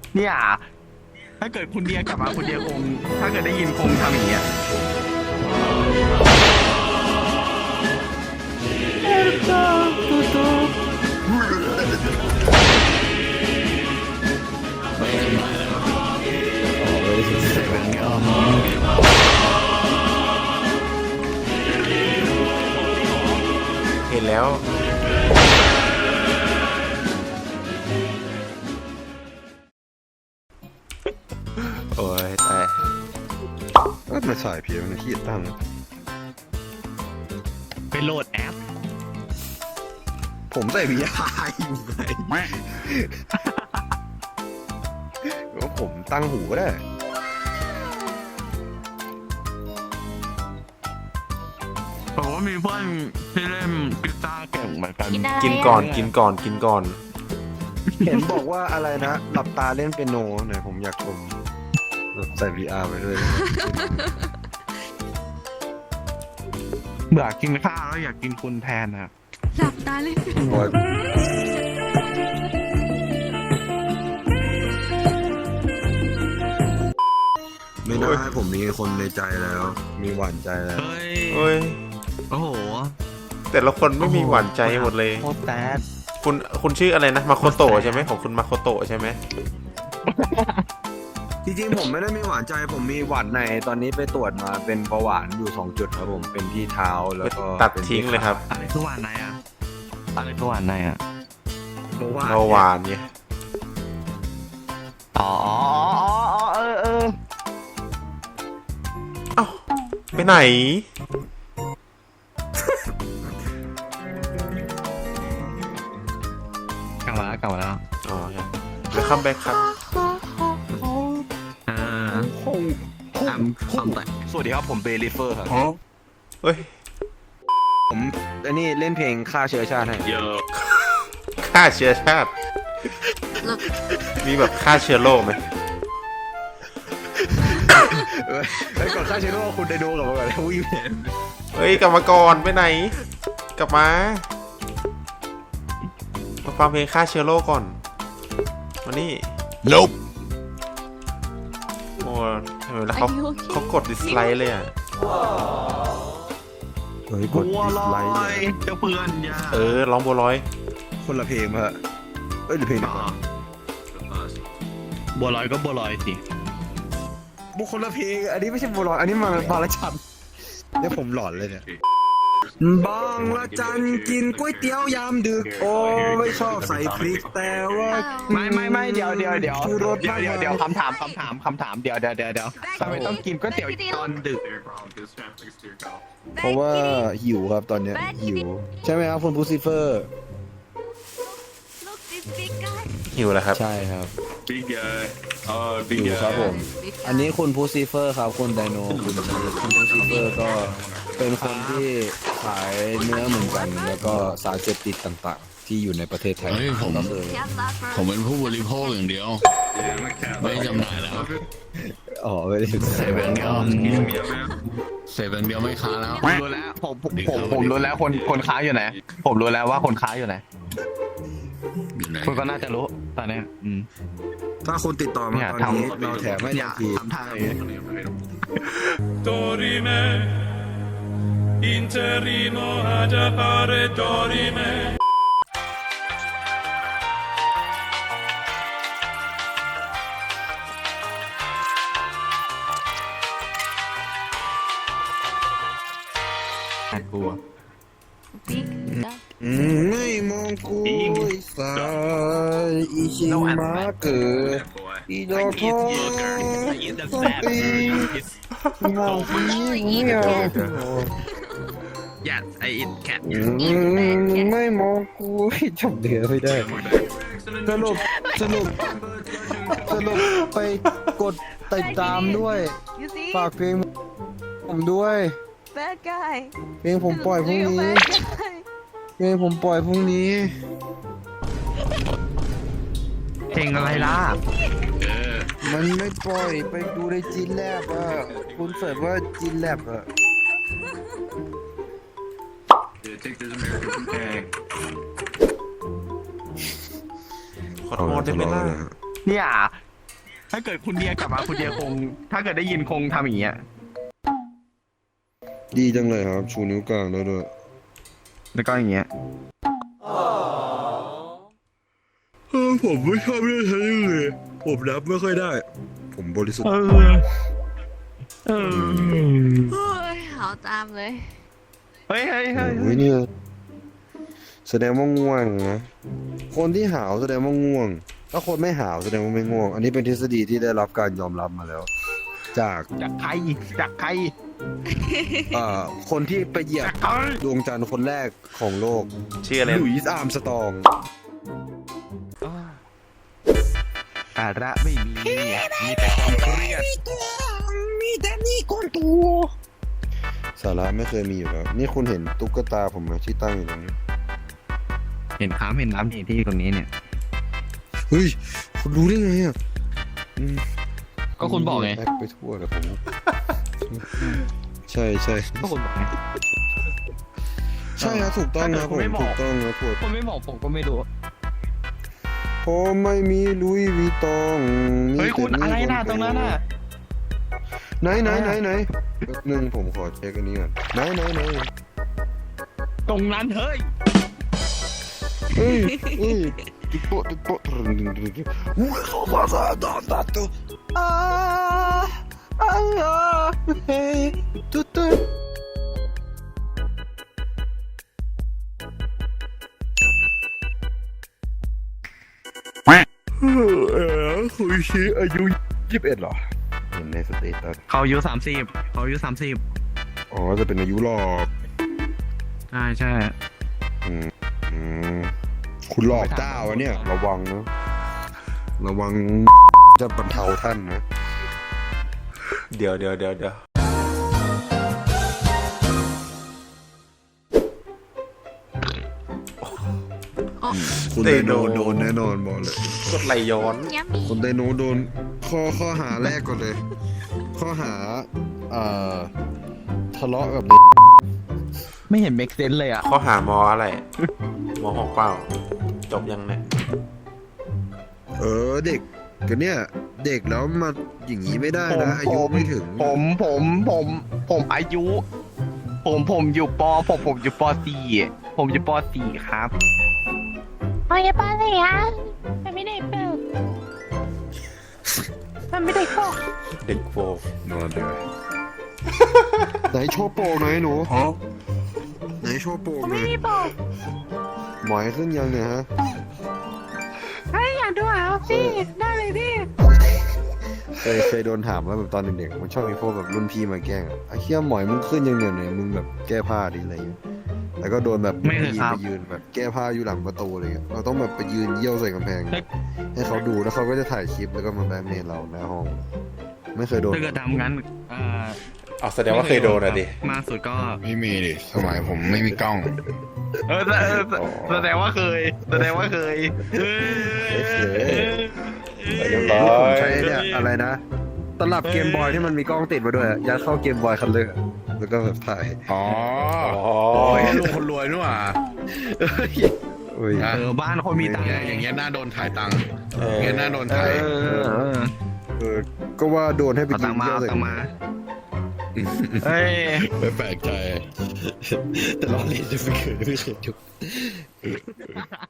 เนี่ยถ้าเกิดคุณเดียกลับมาคุณเดียคงถ้าเกิดได้ยินคงทำอย่างเงี้ยเห็นแล้วโอ้ยแต่ก็มาสายเพียงที่ตั้งไปโหลดแอปผมใส่พีอาอยู่ไงก็ผมตั้งหูก็ได้ผมว่ามีเพื่อนที่เล่นกีตาร์เก่งเหมือนกันกินก่อนกินก่อนกินก่อนเห็นบอกว่าอะไรนะหลับตาเล่นเปียโนหน่อยผมอยากชมแบบใส่ VR ไปด้วยเบื่อกินข้าวแล้วอยากกินคุณแทนนะหลับตาเลยโอ้ยไม่ได้ผมมีคนในใจแล้ว มีหวานใจแล้วเฮ้ยเฮ้ยโอ้โหแต่ละคนไม่มีหวานใจหมดเลยโคตรแซดคุณชื่ออะไรนะมาโคโตะใช่ไหมของคุณมาโคโตะใช่ไหมจริงๆผมไม่ได้มีหวานใจผมมีหวานในตอนนี้ไปตรวจมาเป็นเบาหวานอยู่2จุดครับผมเป็นที่เท้าแล้วก็ตัดทิ้งเลยครับอะไรคือหวานในอ่ะอะไรคือหวานในอ่ะเบาหวานเบาหวานเนี่ยอ๋อเออเอ้าไปไหนกลับมาแล้วอ๋อครับเดี๋ยวคัมแบ็กครับสวัสดีครับผมเบลิเฟอร์ครับเฮ้ยผมอันนี้เล่นเพลงฆ่าเชื้อชาติให้ฆ่าเชื้อชาติ มีแบบฆ่าเชื้อโรคไหมแล้วก่อนฆ่าเชื้อโรคคุณไดโนกลับมาก่อนแล้ววิ่งเห็นเฮ้ยกลับมาก่อนไปไหน กลับมาฟังเพลงฆ่าเชื้อโรคก่อนมานี่ Nope โอ้ทำไมแล้วเขากดดิสไลค์เลยอ่ะเฮ้ยกดบัวดิสลอไลค์ยเจ้าเพื่อนยาร้องบัวลอยคนละเพลงมาเอ้ยหรือเพลงเดียวกันบัวลอยก็บัวลอยสิบุคคลละเพลงอันนี้ไม่ใช่บัวลอยอันนี้มาบางละจันเนี่ยผมหลอนเลยเนี่ยบางละจันกินก๋วยเตี๋ยวยามดึกโอ้ไม่ชอบใส่พริกแต่ว่าไม่เดี๋ยวชูรสมากเดี๋ยวคำถามเดี๋ยวทำไมต้องกินก๋วยเตี๋ยวตอนดึกเพราะว่าหิวครับตอนเนี้ยหิวใช่ไหมครับคุณพูซิเฟอร์ Look this big guy หิวแล้วครับใช่ครับ Big guy. หิวครับผม อันนี้คุณพูซิเฟอร์ครับคุณไดโนคุณพูซิเฟอร์ก็เป็นคนที่ขายเนื้อเหมือนกัน แล้วก็สารเสพติดต่างๆ ที่อยู่ในประเทศไทยเฮ้ยผมก็คือ Cat lover ผมเป็นผู้บริโภคอย่างเดียว Yeah, I'm a cat. ไม่จำหน่ายแล้วอ๋อไม่ได้เซเว่นเดียวเซเว่นเดียวไม่ค้าแล้วผมรู้แล้วผมรู้แล้วคนค้าอยู่ไหนผมรู้แล้วว่าคนค้าอยู่ไหนอยู่ไหนคุณก็น่าจะรู้ตอนเนี้ยถ้าคุณติดต่อมาเนี่ยตอนนี้ทำเราแถมให้อทัย่านทีทำทางอย่างนี้ Dorime. Interimo ad appare dorime. น่ากลัว big duck ไม่มองกูสายอีชิมาเกิด Boy. อีดอกทองมองผีเหี่ยว Yes I eat cat ไม่มองกูจำเดือไม่ได้สรุปไปกดติดตามด้วย You see ฝากเพลงผมด้วย bad guy เพลงผมปล่อยพรุ่ง You're นี้ bad guy เพลงผมปล่อยพรุ่งนี้เพลงอะไรล่ะมันไม่ปล่อยไปดูในจีนแลบอ่ะคุณเสิร์ชว่าจีนแลบอ่ะ Yeah, take this American egg. ขอโทษได้ไหมล่ะเนี่ยถ้าเกิดคุณเดียกลับมาคุณเดียคง ถ้าเกิดได้ยินคงทำอย่างเงี้ยดีจังเลยครับ ชูนิ้วกลางแล้วด้วยแล้วก็อย่างเงี้ยผมไม่ชอบเรื่องนี้เลยผมรับไม่ค่อยได้ ผมบริสุทธิ์เฮ้ยเอาตามเลยเฮ้ยโอ้ยเนี่ยแสดงว่าง่วงนะคนที่หาวแสดงว่าง่วง ถ้าคนไม่หาวแสดงว่าไม่ง่วง อันนี้เป็นทฤษฎีที่ได้รับการยอมรับมาแล้ว จากจากใครคนที่ไปเหยียบดวงจันทร์คนแรกของโลกชื่ออะไรหลุยส์อาร์มสตรองสาระไม่มีมีแต่ความเครียดมีแต่นี่ก้อนตัว สาระไม่เคยมีอยู่แล้ว นี่คุณเห็นตุ๊กตาผมไหมที่ตั้งอยู่ตรงนี้เห็นน้ำที่ตรงนี้เนี่ยเฮ้ย คุณรู้ได้ไงอ่ะก็คุณบอกไงแอคไปทั่วเลยผม ใช่ก็คุณบอกไงใช่ครับถูกต้องนะผมถ้าเกิดคุณไม่บอกถูกต้องนะถูกคนไม่บอกผมก็ไม่รู้ผมไม่มีลุยวีตองเฮ้ยคุณอะไรน่ะตรงนั้นน่ะไหนแป๊บนึงผมขอเช็คอันนี้ก่อนไหนตรงนั้นเฮ้ยเฮ้ยติ๊กโป๊ะอุ้ยเขาภาษาดาตัวเฮ้ยตุ๊ดคุยชี้อายุ21เหรอเห็นในสเตตัสเขาอายุ30 อ๋อจะเป็นอายุหลอกใช่คุณหลอกเจ้าวะเนี่ย ระวังนะระวังจะบรรเทาท่านนะเดี๋ยวคุณไดโนโดนแน่นอนบอกเลยกดไหลย้อนยัมมี่คุณไดโนโดนข้อหาแรกก่อนเลย ข้อหาทะเลาะกับไม่เห็นเมกเซนเลยอ่ะข้อหามออะไร มอ6เปล่า จบยังเนี่ยเด็กกันเนี่ย เด็กแล้วมาอย่างนี้ไม่ได้นะอายุไม่ถึงผมอายุ ผมอยู่ป ผมอยู่ป .4 ผมอยู่ป .4 ครับโอ้ยป้าเลยอ่ะมันไม่ได้เปิดมันไม่ได้เข้าเด็กโฟนอนเลยไหนโชว์โปกหน่อยหนูไหนโชว์โปกหน่อยไม่บอกหมอยขึ้นยังเนี่ยฮะเฮ้ยอยากดูเหรอพี่ได้เลยพี่เคยโดนถามว่าแบบตอนเด็กๆมันชอบมีพวกแบบรุ่นพี่มาแกล้งไอ้เหี้ยหมอยมึงขึ้นยังเนี่ยมึงแบบแก้ผ้าดิอะไรอย่างเงี้ยแล้วก็โดนแบบไม่เคยครับไปยืนแบบแก้ผ้าอยู่หลังประตูอะไรเงี้ยเราต้องแบบไปยืนเยี่ยวใส่กำแพง ให้เขาดูแล้วเขาก็จะถ่ายคลิปแล้วก็มาแบล็กเมย์เราหน้าห้อง ไม่เคยโดนถ้าเกิดทำงั้นเอาแสดงว่าเคยโดนอ่ะดิมากสุดก็ไม่มีดิสมัยผมไม่มีกล้องแสดงว่าเคยเเรียบร้อผมยใช้เนี่ยอะไรนะตลับเกมบอยที่มันมีกล้องติดมาด้วยยัดเข้าเกมบอยคันเลยแล้วก็แบบถ่ายอ๋ออ๋อโอ้ยลุงคนรวยนู่นอ่ะโอ้ยบ้านคนมีตังค์อย่างเงี้ยน่าโดนถ่ายตังค์อย่างเงี้ยน่าโดนถ่ายก็ว่าโดนให้ไปเอายืตังนค์มาเยี่ยวเอาใส่ตังค์มาเฮ้ยไม่แปลกใจแต่เราเล่นจะไม่เคยจุก